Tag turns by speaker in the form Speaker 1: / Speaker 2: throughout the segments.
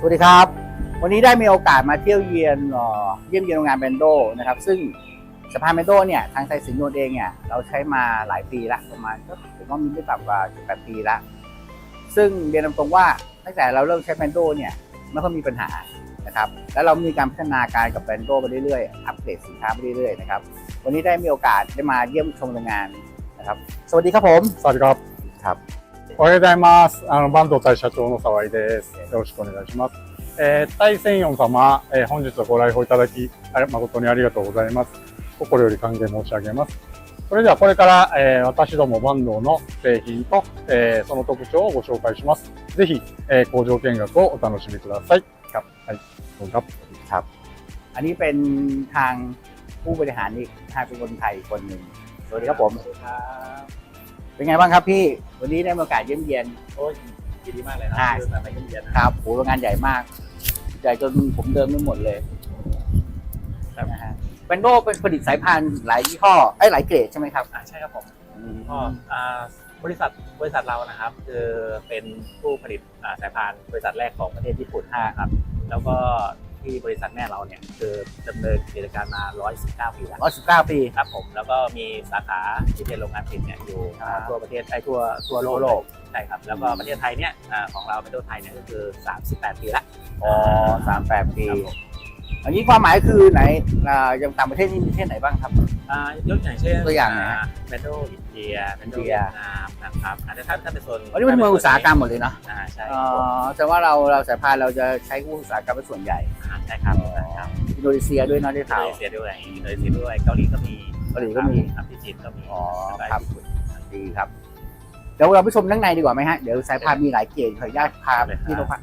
Speaker 1: วัสดีครับวันนี้ได้มีโอกาสมาเที่ยวเยียนเยี่ยมเยียนโรงงานแบนโดนะครับซึ่งสะพานแบนโดเนี่ยทางไทยสินโยนเองเนี่ยเราใช้มาหลายปีละประมาณก็ผมว่ามีไม่ต่ำกว่า18 ปีละซึ่งเรียนตรงๆว่าตั้งแต่เราเริ่มใช้แบนโดเนี่ยไม่ค่อยมีปัญหานะครับแล้วเรามีการพัฒนาการกับแบนโดไปเรื่อยๆอัปเกรดสินค้าไปเรื่อยๆนะครับวันนี้ได้มีโอกาสได้มาเยี่ยมชมโรงงานนะครับสวัสดีครับผม
Speaker 2: สวัสดีครับ
Speaker 1: ครับ
Speaker 2: おはようございます。坂東社長の沢井です。よろしくお願いします。大仙四様、本日はご来訪いただき、誠にありがとうございます。心より歓迎申し上げます。それではこれから、私ども坂東の製品と、その特徴をご紹介します。ぜひ、工場見学をお楽しみください。ครับ。はい。どうぞ。
Speaker 1: ครับ อันนี้เป็นทางผู้บริหารอีกเป็นคนไทยคนหนึ่งสวัสดีครับผมเป็นไงบ้างครับพี่วันนี้ได้มีโอกาสเยี่ยมเยียน
Speaker 3: โอ้ยยินดีมากเลยครับมาเยี่ยมเยียน
Speaker 1: ครับโหโรงงานใหญ่มากใหญ่จนผมเดินไม่หมดเลยนะฮะแบนโดเป็นผลิตสายพานหลายยี่ห้อหลายเกรดใช่ไหมครับ
Speaker 3: ใช่ครับผมก็บริษัทเรานะครับคือเป็นผู้ผลิตสายพานบริษัทแรกของประเทศญี่ปุ่นครับแล้วก็ที่บริษัทแม่เราเนี่ยคือดำเนินกิจการมา119 ปีแล้ว
Speaker 1: 119 ปี
Speaker 3: ครับผมแล้วก็มีสาขาที่เป็นโรงงานผลิตเนี่ยอยู่ทั่วประเทศทั่วโลกใช่ครับแล้วก็ประเทศไทยเนี่ยของเราเป็นตัวไทยเนี่ยก็คือ38 ปีละ
Speaker 1: 38 ปีอันนี้ความหมายคือไหนยังต่างประเทศนี่มีประเทศไหนบ้างครับ
Speaker 3: ยกอย่างเช่น
Speaker 1: ตัวอย่าง
Speaker 3: เบนโดอินเดียเบนโดเวียดนามนะครับอันนี้ถ้าเป็นโซน
Speaker 1: อันนี้เป็นเมืองอุตสาหกรรมหมดเลยเนาะ
Speaker 3: ใช่
Speaker 1: แต่ว่าเราสายพานเราจะใช้อุตสาหกรรมเป็นส่วนใหญ่
Speaker 3: ใช่ครับ
Speaker 1: อินโดนีเซียด้วยเนาะได้ข่าว
Speaker 3: อินโดนีเซียด้วยเกาหลีก็มีที่จีนก็มี
Speaker 1: ครับดีครับเดี๋ยวเราไปชมข้างในดีกว่าไหมฮะเดี๋ยวสายพานมีหลายเกรดขออนุญาตพาที่เรา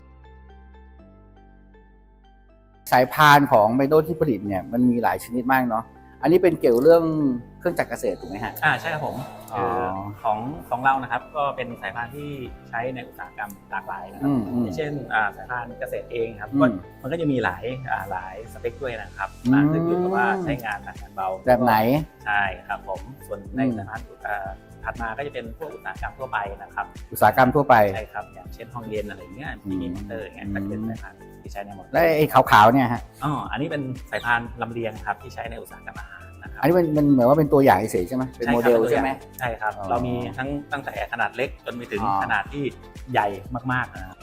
Speaker 1: สายพานของไบโดที่ผลิตเนี่ยมันมีหลายชนิดมากเนาะอันนี้เป็นเกี่ยวเรื่องเครื่องจักรเกษตรถูกไหมฮะ
Speaker 3: ใช่ครับผมของเรานะครับก็เป็นสายพานที่ใช้ในอุตสาหกรรมหลากหลายนะครับเช่นสายพานเกษตรเองครับมันก็จะมีหลายสเปคด้วยนะครับขึ้นอยู่กับว่าใช้งานหนักงานเบา
Speaker 1: แบบไหน
Speaker 3: ใช่ครับผมส่วนในสายพานถัดมาก็จะเป็นพวกอุตสาหกรรมทั่วไปนะครับ
Speaker 1: อุตสาหกรรมทั่วไป
Speaker 3: ใช่ครับอย่างเช่นห้องเรียนอะไรเงี้ยมีมอเตอร์อย่างเงี้ยก็เป็นสายพานที่ใช้ในหมด
Speaker 1: และไอ้ขาวๆเนี่ยฮะ
Speaker 3: อันนี้เป็นสายพานลำเลียงครับที่ใช้ในอุตสาหกรรมอาหารนะครับ
Speaker 1: อันนี้มันเหมือนว่าเป็นตัวอย่างเฉยใช่ไหมเป็นโมเดลใช่ไหม
Speaker 3: ใช่ครับเรามีตั้งแต่ขนาดเล็กจนไปถึงขนาดที่ใหญ่มากๆนะครับ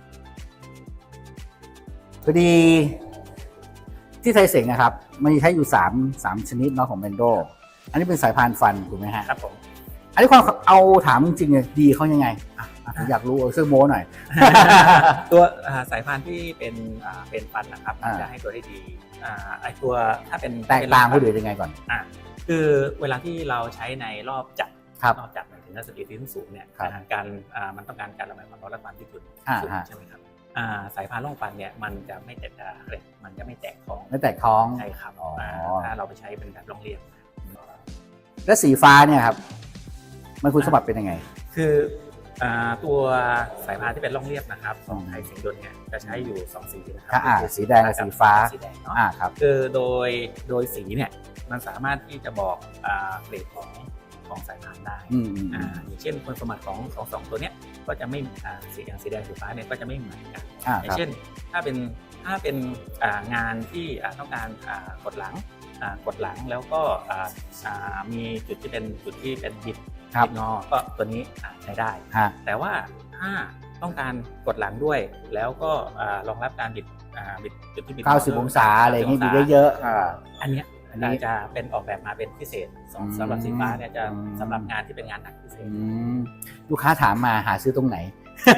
Speaker 1: พอดีที่ไทยเสงนะครับมันใช้อยู่3ชนิดเนาะของแบนโดอันนี้เป็นสายพานฟันถูกไหมฮะ
Speaker 3: ครับผม
Speaker 1: อันนี้ความเอาถามจริงๆเลยดีเขายังไงผมอยากรู้ซื้อโม้หน่อย
Speaker 3: ตัวสายพานที่เป็นฟันนะครับจะให้ตัวได้ดีไอตัวถ้าเป็น
Speaker 1: แตกต่างผู้อื่นยังไงก่อน
Speaker 3: คือเวลาที่เราใช้ในรอบจับถึงสปีดที่สูงเนี่ยการมันต้องการการระบายความร้อนและความที่สุดใช่ไหมครับสายพานร่องฟันเนี่ยมันจะไม่แตกมันจะไม่แตกท้องใช่ครับถ้าเราไปใช้เป็นแบบร่องเรียบ
Speaker 1: และสีฟ้าเนี่ยครับมันคุณสมบัติเป็นยังไง
Speaker 3: คือตัวสายพานที่เป็นร่องเรียบนะครับของไทยสิงห์ยนต์เนี่ยจะใช้อยู่2สีนะครับ
Speaker 1: สีแดงกับสีฟ้า
Speaker 3: เนาะ
Speaker 1: ครับ
Speaker 3: คือโดยสีเนี่ยมันสามารถที่จะบอกเกรดของสายพานได้อย่างเช่นคุณสมบัติของ2ตัวเนี้ยก็จะไม่สีแดงสีฟ้าเนี่ยก็จะไม่เหมือนกันอย่างเช่นถ้าเป็นงานที่ต้องการกดหลังแล้วก็มีจุดที่เป็นบิดงอก็ตัวนี้ใช้ได้แต่ว่าถ้าต้องการกดหลังด้วยแล้วก็รองรับการบิดจุดที่บิด
Speaker 1: 90 องศาอะไรอย่างนี้บิดเยอะ
Speaker 3: ๆอันนี้จะเป็นออกแบบมาเป็นพิเศษสำหรับสีฟ้าเนี่ยจะสำหรับงานที่เป็นงานหนักพิเศษ
Speaker 1: ลูกค้าถามมาหาซื้อตรงไหน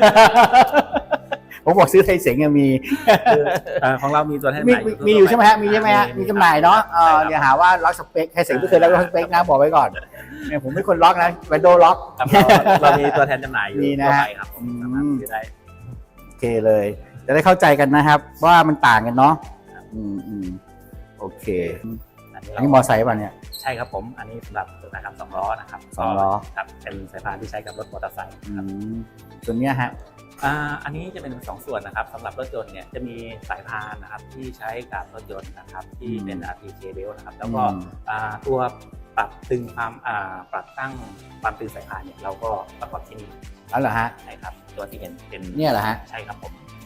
Speaker 1: ผมบอกซื้อไทยเสงมี
Speaker 3: ของเรามีตัวแทน
Speaker 1: มีอยู่ใช่ไหมฮะมีจำหน่ายเนาะอย่าหาว่าล็อกสเปคไทยเสงไม่เคยล็อกสเปคนะบอกไว้ก่อนเนี่ยผมไม่คนล็อกนะแวนโดล็อก
Speaker 3: เรามีตัวแทนจำหน่ายอยู่
Speaker 1: นะ
Speaker 3: ครับสามารถซื้อได้
Speaker 1: โอเคเลยจะได้เข้าใจกันนะครับว่ามันต่างกันเนาะโอเคอันนี้มอไซค์ป่ะเนี่ย
Speaker 3: ใช่ครับผมอันนี้สำหรับอุตสาหกรรม2 ล้อนะครับ
Speaker 1: 2 ล้อ
Speaker 3: ครับเป็นสายพานที่ใช้กับรถมอเตอร์ไซค์
Speaker 1: ส่วนนี้ฮะ
Speaker 3: อันนี้จะเป็น2 ส่วนนะครับสำหรับรถยนต์เนี่ยจะมีสายพานนะครับที่ใช้กับรถยนต์นะครับที่เป็น RTK belt นะครับแล้วก็ตัวปรับตึงความปรับตั้งความตึงสายพานเนี่ยเราก็ประกอบที่นี่
Speaker 1: อ๋อเหรอฮะ
Speaker 3: ใช่ครับตัวที่เห็นเป็น
Speaker 1: เนี่ยเหรอฮะ
Speaker 3: ใช่ครับผม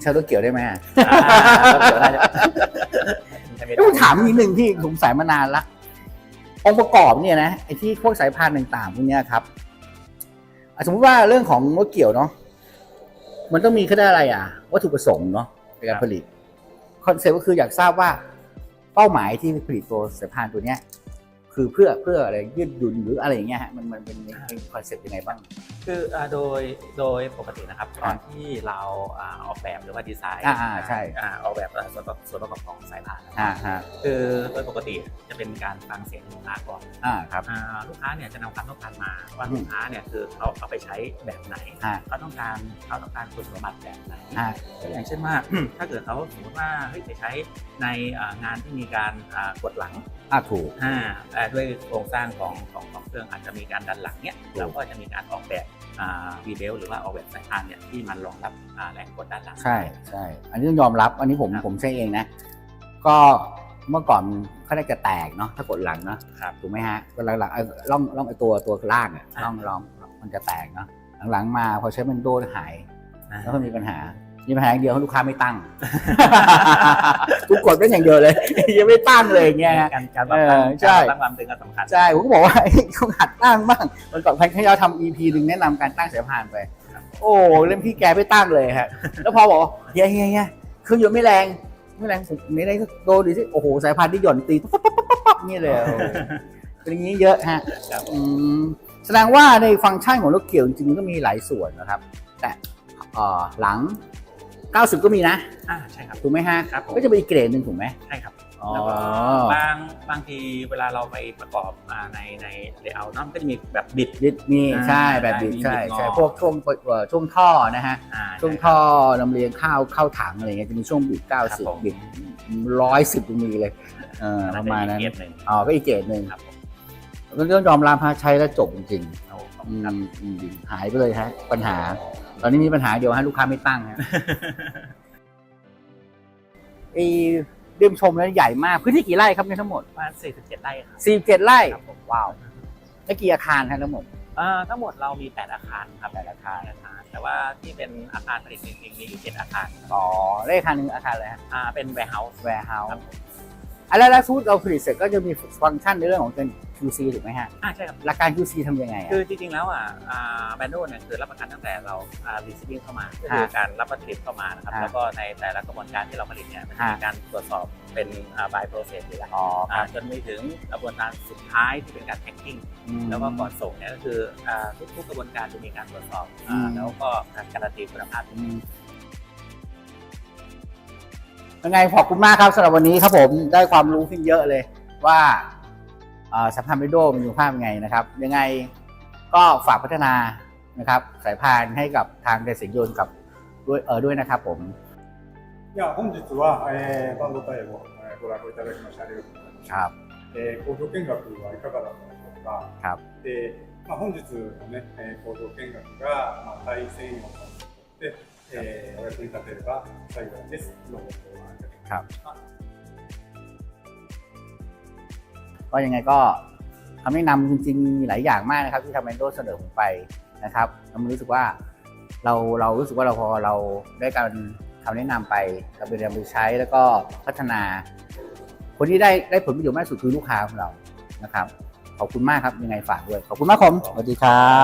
Speaker 1: ใช้รถเกี่ยวได้ไหม
Speaker 3: รถเกี่ยวได้
Speaker 1: ต้องถามนิดนึงที่สงสัยมานานละองค์ประกอบเนี่ยนะไอ้ที่พวกสายพานต่างๆพวกเนี้ยครับสมมติว่าเรื่องของรถเกี่ยวเนาะมันต้องมีเขาได้อะไรวัตถุประสงค์เนาะในการผลิตคอนเซ็ปต์ก็คืออยากทราบว่าเป้าหมายที่ผลิตตัวสายพานตัวเนี้ยคือเพื่ออะไรยืดหยุ่นหรืออะไรอย่างเงี้ยฮะมันเป็นคอนเซ็ปต์ยังไงบ้าง
Speaker 3: คือโดยปกตินะครับตอนที่เราออกแบบหรือว่าดีไซน์
Speaker 1: ใช่
Speaker 3: ออกแบบส่วนประกอบของสายพานคือโดยปกติจะเป็นการฟังเสียงลูกค้าก่อน
Speaker 1: ครับ
Speaker 3: ลูกค้าเนี่ยจะนำความต้องการมาว่าลูกค้าเนี่ยคือเขาเอาไปใช้แบบไหนเขาต้องการคุณสมบัติแบบไหนอย่างเช่นว่าถ้าเกิดเขาสมมติว่าไปใช้ในงานที่มีการกดหลัง
Speaker 1: ถูก
Speaker 3: ด้วยโครงสร้างของเครื่องอาจจะมีการดันหลังเนี่ยเราก็จะมีการออกแบบวีเบลหรือว่าออกแบบสายพานเนี่ยที่มันรองรับแรงกดด้านหลัง
Speaker 1: ใช่อันนี้ต้องยอมรับอันนี้ผมใช้เองนะก็เมื่อก่อนเขาได้จะแตกเนาะถ้ากดหลังเนาะถูกไหมฮะก็หลังๆล่องไอตัวล่างล่องมันจะแตกเนาะหลังๆมาพอใช้มันโดนหายแล้วก็มีปัญหาอย่างเดียวลูกค้าไม่ตั้งกูกดเป็นอย่างเดียวเลยยังไม่ตั้งเลยเงี้ย
Speaker 3: การตั้งความตึงก็สำคัญ
Speaker 1: ใช่ผมก็บอกว่าต้องหัดตั้งบ้างมันก่อนพันเขาทำ EP หนึ่งแนะนำการตั้งสายพานไปโอ้เล่มพี่แกไม่ตั้งเลยฮะแล้วพอบอกเฮียเครื่องยนต์ไม่แรงผมไม่ได้โดนดิสิโอ้โหสายพานที่หย่อนตีปั๊บนี่เลยเป็นอย่างนี้เยอะฮะแสดงว่าในฟังก์ชันของรถเกี่ยวจริงๆก็มีหลายส่วนนะครับแต่หลัง90ก็มีนะ
Speaker 3: ใช่ครับ
Speaker 1: ถูกไหมฮะก็จะเป็นอีกเกรดหนึ่งถูกไหม
Speaker 3: ใช่ครับแล้วก็บางทีเวลาเราไปประกอบในเลเยอร์มันก็จะมีแบบบิด
Speaker 1: มีใช่แบบบิดใช่พวกช่วงท่อนะฮะช่วงท่อลำเลียงเข้าถังอะไรเงี้ยจะมีช่วงบิด90บิด110ก็มีเลยประมาณนั้นก็อีกเกรดหนึ่งก็ต้องยอมรับใช้แล้วจบจริงๆหายไปเลยฮะปัญหาตอนนี้มีปัญหาเดียวฮะลูกค้าไม่ตั้งฮะเดิมชมแล้วใหญ่มากพื้นที่กี่ไร่ครับเนี่ยทั้งหมด
Speaker 3: ประมาณ47 ไร่ครับ
Speaker 1: 47 ไร่ว้าวแล้วกี่อาคารครับทั้งหมด
Speaker 3: ทั้งหมดเรามี8อาคารครับ8อาคารแต่ว่าที่เป็นอาคารผลิตจริงๆมีอยู่7อาคาร
Speaker 1: เลขอาคารนึงอาคารอะไรฮะ
Speaker 3: เป็น warehouse
Speaker 1: แล้วฟู้ดเราผลิตเสร็จก็จะมีฟังก์ชันในเรื่องของเป็น QC ถูกไหมฮะ
Speaker 3: ใช่ครับ
Speaker 1: หลักการ QC ทำยังไง
Speaker 3: คือจริงๆแล้วแบรนด์เนี่ยคือรับประกันตั้งแต่เราreceiving เข้ามาคือการรับผลิตเข้ามานะครับแล้วก็ในแต่ละกระบวนการที่เราผลิตเนี่ยมันมีการตรวจสอบเป็น by process อยู่แล้วจนไปถึงกระบวนการสุดท้ายที่เป็นการ packing แล้วก็ก่อนส่งเนี่ยก็คือทุกกระบวนการจะมีการตรวจสอบแล้วก็การการันตีคุณภาพ
Speaker 1: ยังไงขอบคุณมากครับสำหรับวันนี้ครับผมได้ความรู้ขึ้นเยอะเลยว่าสายพานเบโดมันอยู่ภาพยังไงนะครับยังไงก็ฝากพัฒนานะครับสายพานให้กับทางไดเซนยนกับด้วยนะครับผม
Speaker 2: いや本日は、バンドタイを、ご覧いただきましてありがとうございました。工場見学はいかがだったでしょうか。で、本日のね、工場見学が、大専用としてお役に立てれば幸いです。どうもご覧いただきました。
Speaker 1: ก็ยังไงก็คำแนะนำจริงๆมีหลายอย่างมากนะครับที่ทางแบนโดเสนอผมไปนะครับเรารู้สึกว่าเรารู้สึกว่าพอเราได้การคำแนะนำไปเราไปเรียนไปใช้แล้วก็พัฒนาคนที่ได้ผลประโยชน์มากสุดคือลูกค้าของเรานะครับขอบคุณมากครับยังไงฝากด้วยขอบคุณมากผมสวัสดีครับ